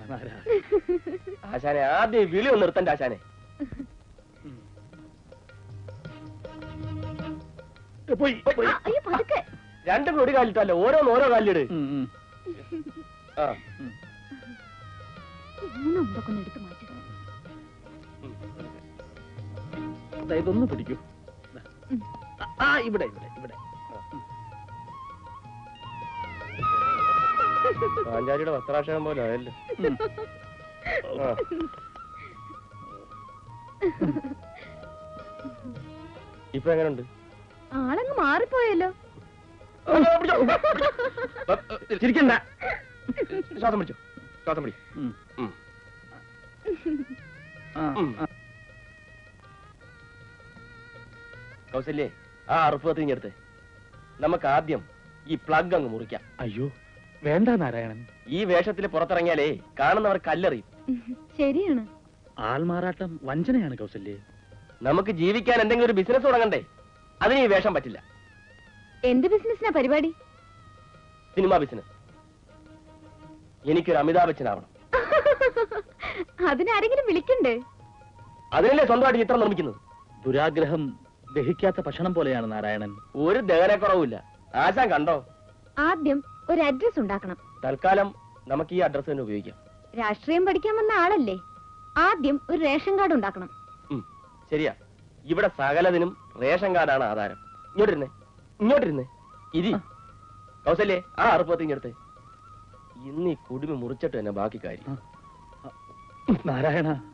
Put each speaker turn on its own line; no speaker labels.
ആശാനെ ആദ്യം വിളി ഒന്ന് നിർത്തണ്ട ആശാനെ. രണ്ടും ഒരു കാലിട്ടല്ല, ഓരോ കാലിലിട്.
ഇതൊന്ന് പിടിക്കൂ. ഇവിടെ ഇവിടെ ഇവിടെ.
പാഞ്ചാലിയുടെ വസ്ത്രാക്ഷരം പോലെ ആയല്ലോ. ഇപ്പൊ എങ്ങനെയുണ്ട്?
ആളങ്ങ് മാറിപ്പോയല്ലോ.
ചിരിക്കണ്ട, ശ്വാസം പിടിച്ചോ, ശ്വാസം പിടി. കൗസല്യേ, ആ അറുപ്പ് കത്തിഞ്ഞെടുത്ത് നമുക്ക് ആദ്യം ഈ പ്ലഗ് അങ്ങ് മുറിക്കാം.
അയ്യോ വേണ്ട നാരായണൻ,
ഈ വേഷത്തിൽ പുറത്തിറങ്ങിയാലേ കാണുന്നവർ കല്ലെറിയും.
ശരിയാണ്.
ആൾമാറാട്ടം വഞ്ചനയാണ് കൗസല്യേ.
നമുക്ക് ജീവിക്കാൻ എന്തെങ്കിലും ഒരു ബിസിനസ് തുടങ്ങണ്ടേ? അതിന് ഈ വേഷം പറ്റില്ല.
എന്ത് ബിസിനസ്സിനാ പരിപാടി?
Cinema business. എനിക്കൊരു അമിതാഭ് ബച്ചൻ ആവണം.
അതിനാരെങ്കിലും വിളിക്കണ്ടേ?
അതിനല്ലേ സ്വന്തമായിട്ട് ചിത്രം നിർമ്മിക്കുന്നത്.
ദുരാഗ്രഹം ദഹിക്കാത്ത ഭക്ഷണം പോലെയാണ് നാരായണൻ.
ഒരു ദഹനക്കുറവില്ല. ആശാൻ കണ്ടോ?
ആദ്യം ഒരു അഡ്രസ് ഉണ്ടാക്കണം.
തൽക്കാലം നമുക്ക് ഈ അഡ്രസ് തന്നെ ഉപയോഗിക്കാം.
രാഷ്ട്രീയം പഠിക്കാൻ വന്ന ആളല്ലേ, ആദ്യം ഒരു റേഷൻ കാർഡ് ഉണ്ടാക്കണം.
ശരിയാ, ഇവിടെ സകലതിനും റേഷൻ കാർഡാണ് ആധാരം. ഇങ്ങോട്ടിരുന്നേ ഇരി. കൗസല്യേ, ആ അറുപ്പത്തിഞ്ഞെടുത്ത് ഇന്ന് ഈ കുടുമി മുറിച്ചിട്ട് തന്നെ ബാക്കി കാര്യം.
നാരായണ,